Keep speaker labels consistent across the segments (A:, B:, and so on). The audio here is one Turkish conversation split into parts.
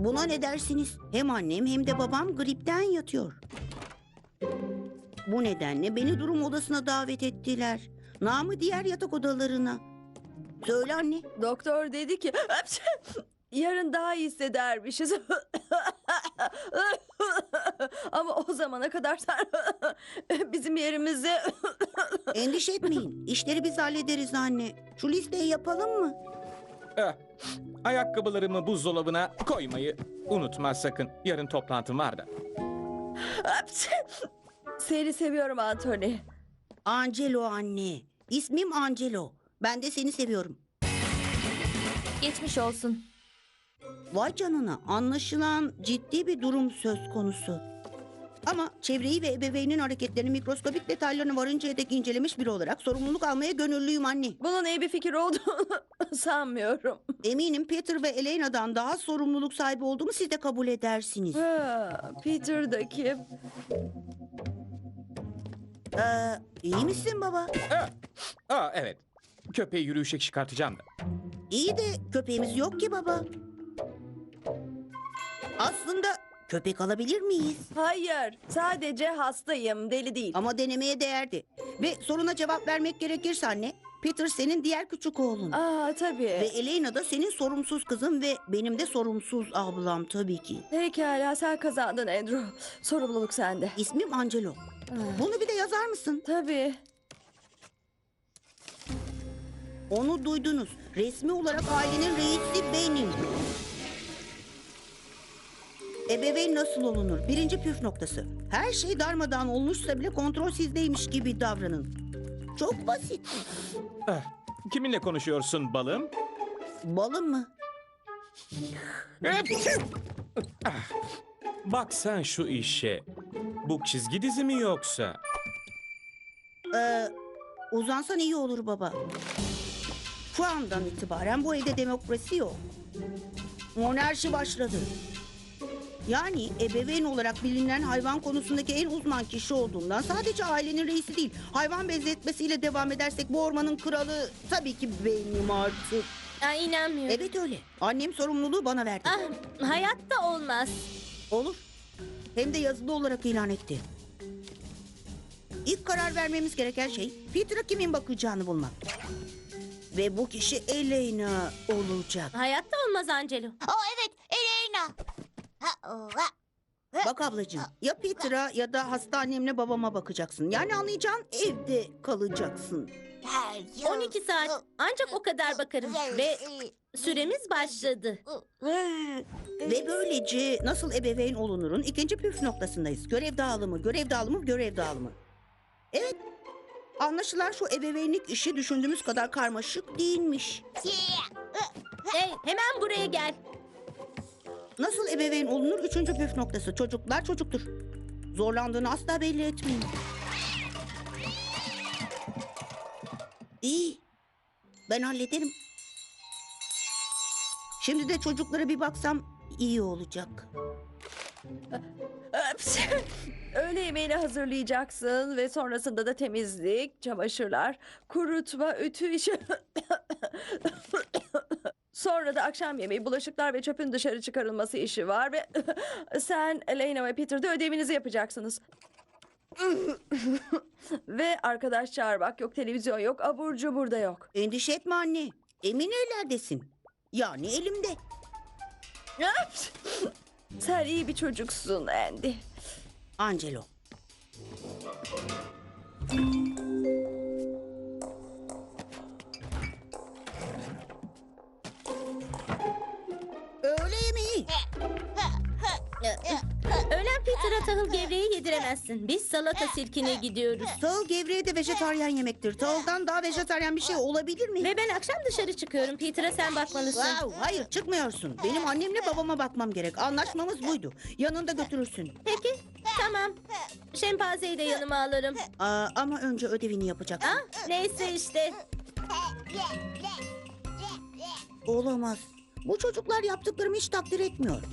A: Buna ne dersiniz? Hem annem hem de babam gripten yatıyor. Bu nedenle beni durum odasına davet ettiler. Namı diğer yatak odalarına. Söyle anne.
B: Doktor dedi ki yarın daha iyi hissedermişiz. Ama o zamana kadar sen bizim yerimize
A: Endişe etmeyin. İşleri biz hallederiz anne. Şu listeyi yapalım mı?
C: Eh, ayakkabılarımı buzdolabına koymayı unutma sakın. Yarın toplantım var da.
B: Seni seviyorum Anthony.
A: Angelo anne. İsmim Angelo. Ben de seni seviyorum.
D: Geçmiş olsun.
A: Vay canına, anlaşılan ciddi bir durum söz konusu. Ama çevreyi ve ebeveynin hareketlerini mikroskobik detaylarını varıncaya dek incelemiş biri olarak sorumluluk almaya gönüllüyüm anne.
B: Bunun iyi bir fikir olduğunu sanmıyorum.
A: Eminim Peter ve Elena'dan daha sorumluluk sahibi olduğumu siz de kabul edersiniz.
B: Peter da kim?
A: İyi misin baba?
C: Evet. Köpeği yürüyüşe çıkartacağım da.
A: İyi de köpeğimiz yok ki baba. Aslında köpek alabilir miyiz?
B: Hayır, sadece hastayım, deli değil.
A: Ama denemeye değerdi. Ve soruna cevap vermek gerekirse anne, Peter senin diğer küçük oğlun.
B: Tabii.
A: Ve Elena da senin sorumsuz kızın ve benim de sorumsuz ablam tabii ki.
B: Pekala, sen kazandın Andrew. Sorumluluk sende.
A: İsmim Angelo. Bunu bir de yazar mısın?
B: Tabii.
A: Onu duydunuz. Resmi olarak ailenin reisi benim. Ebeveyn nasıl olunur? Birinci püf noktası. Her şey darmadağın olmuşsa bile kontrol sizdeymiş gibi davranın. Çok basit.
C: Kiminle konuşuyorsun balım?
A: Balım mı?
C: Bak sen şu işe. Bu çizgi dizi mi yoksa?
A: Uzansan iyi olur baba. Şu andan itibaren bu evde demokrasi yok. Monarşi başladı. Yani ebeveyn olarak bilinen hayvan konusundaki en uzman kişi olduğumdan sadece ailenin reisi değil, hayvan benzetmesiyle devam edersek bu ormanın kralı tabii ki benim artık.
D: Ay, inanmıyorum.
A: Evet öyle. Annem sorumluluğu bana verdi.
D: Hayatta olmaz.
A: Olur. Hem de yazılı olarak ilan etti. İlk karar vermemiz gereken şey Peter'a kimin bakacağını bulmak. Ve bu kişi Elena olacak.
D: Hayatta olmaz Angelo.
E: Evet, Elena.
A: Bak ablacığım, ya Peter'a ya da hasta annemle babama bakacaksın. Yani anlayacağın evde kalacaksın.
D: 12 saat ancak o kadar bakarım ve süremiz başladı.
A: Ve böylece nasıl ebeveyn olunurun ikinci püf noktasındayız. Görev dağılımı, görev dağılımı, görev dağılımı. Evet, anlaşılan şu ebeveynlik işi düşündüğümüz kadar karmaşık değilmiş.
D: Hey, hemen buraya gel.
A: Nasıl ebeveyn olunur üçüncü püf noktası. Çocuklar çocuktur. Zorlandığını asla belli etmeyin. İyi. Ben hallederim. Şimdi de çocuklara bir baksam iyi olacak.
B: Öğle yemeğini hazırlayacaksın ve sonrasında da temizlik, çamaşırlar, kurutma, ütü işi. Sonra da akşam yemeği, bulaşıklar ve çöpün dışarı çıkarılması işi var ve sen, Elena ve Peter de ödevinizi yapacaksınız. Ve arkadaş çağırmak yok, televizyon yok, abur cubur da yok.
A: Endişe etme anne. Emin ellerdesin. Yani elimde.
B: Sen iyi bir çocuksun Andy.
A: Angelo. Öğle yemeği.
D: Öğlen Peter'a tahıl gevreği yediremezsin. Biz salata sirkine gidiyoruz.
A: Tahıl gevreği de vejetaryen yemektir. Tahıldan daha vejetaryen bir şey olabilir mi?
D: Ve ben akşam dışarı çıkıyorum. Peter'a sen bakmalısın.
A: Wow, hayır çıkmıyorsun. Benim annemle babama bakmam gerek. Anlaşmamız buydu. Yanında götürürsün.
D: Peki, tamam. Şempanzeyi de yanıma alırım.
A: Ama önce ödevini yapacaksın.
D: Neyse işte.
A: Olamaz. Bu çocuklar yaptıklarımı hiç takdir etmiyor.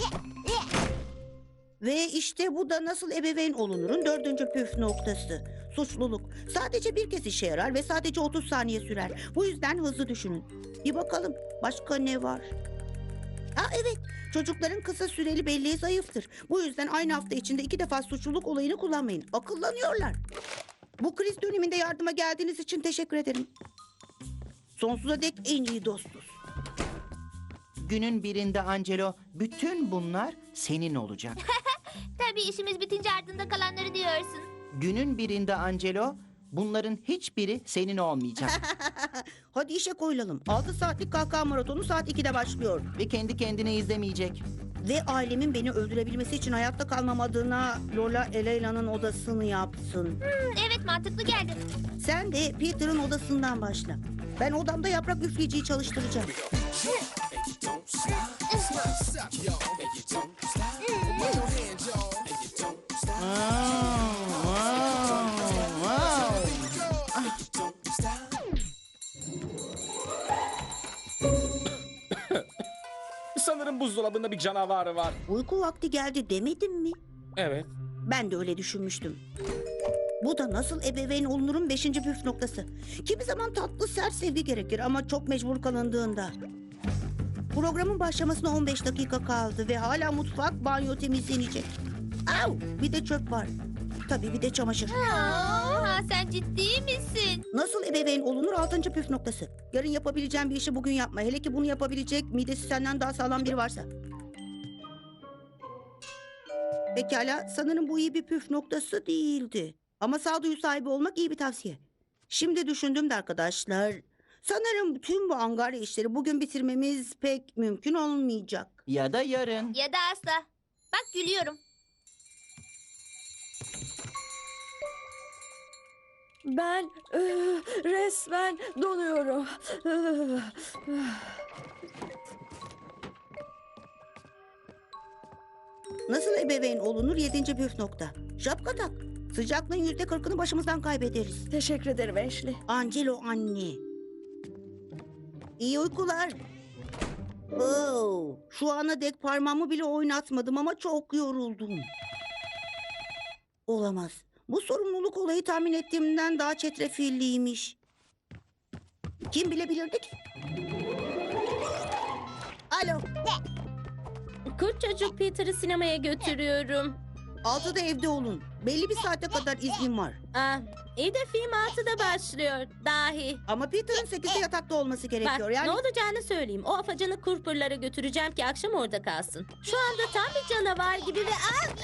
A: Ve işte bu da nasıl ebeveyn olunurun dördüncü püf noktası. Suçluluk. Sadece bir kez işe yarar ve sadece 30 saniye sürer. Bu yüzden hızlı düşünün. Bir bakalım başka ne var? Evet, çocukların kısa süreli belleği zayıftır. Bu yüzden aynı hafta içinde 2 defa suçluluk olayını kullanmayın. Akıllanıyorlar. Bu kriz döneminde yardıma geldiğiniz için teşekkür ederim. Sonsuza dek en iyi dostuz.
E: Günün birinde Angelo, bütün bunlar senin olacak.
F: Tabii işimiz bitince ardında kalanları diyorsun.
E: Günün birinde Angelo, bunların hiçbiri senin olmayacak.
A: Hadi işe koyulalım. 6 saatlik kahkaha maratonu saat 2'de başlıyor.
E: Ve kendi kendine izlemeyecek.
A: Ve ailemin beni öldürebilmesi için hayatta kalmam adına Lola Eleyna'nın odasını yapsın.
F: Evet mantıklı geldi.
A: Sen de Peter'ın odasından başla. Ben odamda yaprak üfleyiciyi çalıştıracağım.
C: Sanırım buzdolabında bir canavar var.
A: Uyku vakti geldi demedim mi?
C: Evet.
A: Ben de öyle düşünmüştüm. Bu da nasıl ebeveyn olunurun 5. püf noktası. Kimi zaman tatlı sert sevgi gerekir ama çok mecbur kalındığında. Programın başlamasına 15 dakika kaldı ve hala mutfak, banyo temizlenecek. Au! Bir de çöp var. Tabii bir de çamaşır.
F: Aa, sen ciddi misin?
A: Nasıl ebeveyn olunur 6. püf noktası. Yarın yapabileceğin bir işi bugün yapma. Hele ki bunu yapabilecek midesi senden daha sağlam biri varsa. Pekala, sanırım bu iyi bir püf noktası değildi. Ama sağduyu sahibi olmak iyi bir tavsiye. Şimdi düşündüm de arkadaşlar. Sanırım tüm bu angarya işleri bugün bitirmemiz pek mümkün olmayacak.
E: Ya da yarın.
F: Ya da asla. Bak gülüyorum.
B: Ben resmen donuyorum.
A: Nasıl ebeveyn olunur 7. püf nokta. Şapka tak. Sıcaklığın %40'ını başımızdan kaybederiz.
B: Teşekkür ederim Ashley.
A: Angelo anne. İyi uykular. Oo, şu ana dek parmağımı bile oynatmadım ama çok yoruldum. Olamaz. Bu sorumluluk olayı tahmin ettiğimden daha çetrefilliymiş. Kim bilebilirdi ki? Alo.
D: Kurt çocuk Peter'ı sinemaya götürüyorum.
A: 6'da evde olun. Belli bir saate kadar iznim var.
D: Ah, iyi de film 6'da başlıyor. Dahi.
A: Ama Peter'ın 8'de yatakta olması
D: Bak
A: gerekiyor. Yani
D: ne olacağını söyleyeyim. O afacanı kurpurlara götüreceğim ki akşam orada kalsın. Şu anda tam bir canavar gibi ve...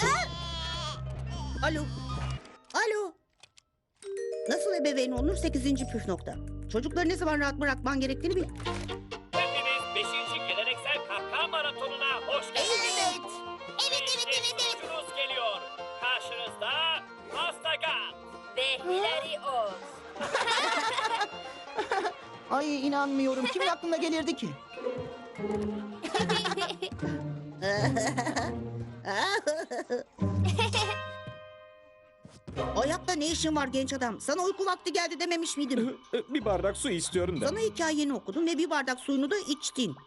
A: Alo. Alo. Nasıl ebeveyn olunur 8. püf nokta. Çocukları ne zaman rahat bırakman gerektiğini bil.
G: Hepiniz 5. geleneksel kahkaha maratonuna hoş geldiniz.
F: Evet. Evet.
G: Sunucunuz geliyor. Karşınızda Pastagat.
D: Ve Hilary Oz.
E: Ay inanmıyorum. Kimin aklına gelirdi ki?
A: Ayakta ne işin var genç adam? Sana uyku vakti geldi dememiş miydim?
C: Bir bardak su istiyorum da.
A: Sana hikayeni okudum ve bir bardak suyunu da içtin.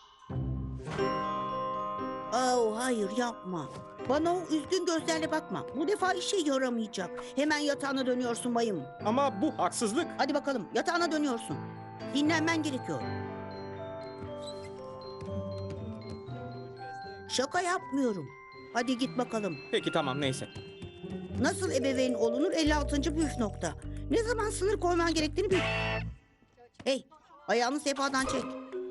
A: Oh, hayır yapma. Bana o üzgün gözlerle bakma. Bu defa işe yaramayacak. Hemen yatağına dönüyorsun bayım.
C: Ama bu haksızlık.
A: Hadi bakalım yatağına dönüyorsun. Dinlenmen gerekiyor. Şaka yapmıyorum. Hadi git bakalım.
C: Peki tamam neyse.
A: Nasıl ebeveyn olunur 56. püf nokta. Ne zaman sınır koyman gerektiğini bil. Hey, ayağını sehpadan çek.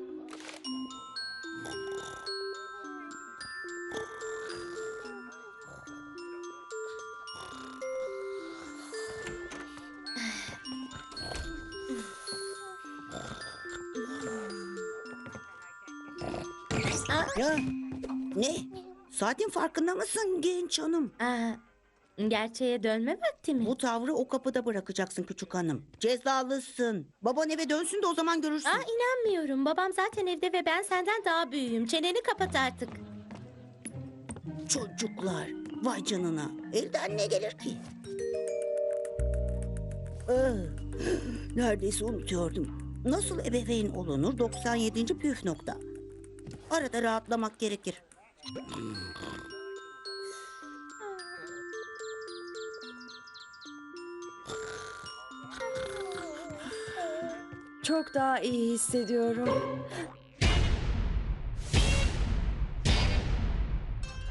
A: Ya, ne? Saatin farkında mısın genç hanım?
D: Gerçeğe dönme vakti mi?
A: Bu tavrı o kapıda bırakacaksın küçük hanım. Cezalısın. Baban eve dönsün de o zaman görürsün.
D: İnanmıyorum. Babam zaten evde ve ben senden daha büyüğüm. Çeneni kapat artık.
A: Çocuklar. Vay canına. Elden ne gelir ki? Ah, neredeyse unutuyordum. Nasıl ebeveyn olunur 97. püf nokta. Arada rahatlamak gerekir.
B: Çok daha iyi hissediyorum.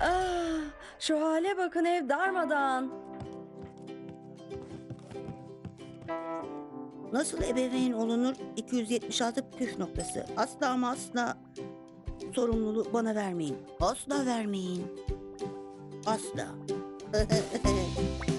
B: Ah, şu hale bakın, ev darmadağın.
A: Nasıl ebeveyn olunur? 276 püf noktası. Asla ama asla sorumluluğu bana vermeyin. Asla vermeyin. Asla.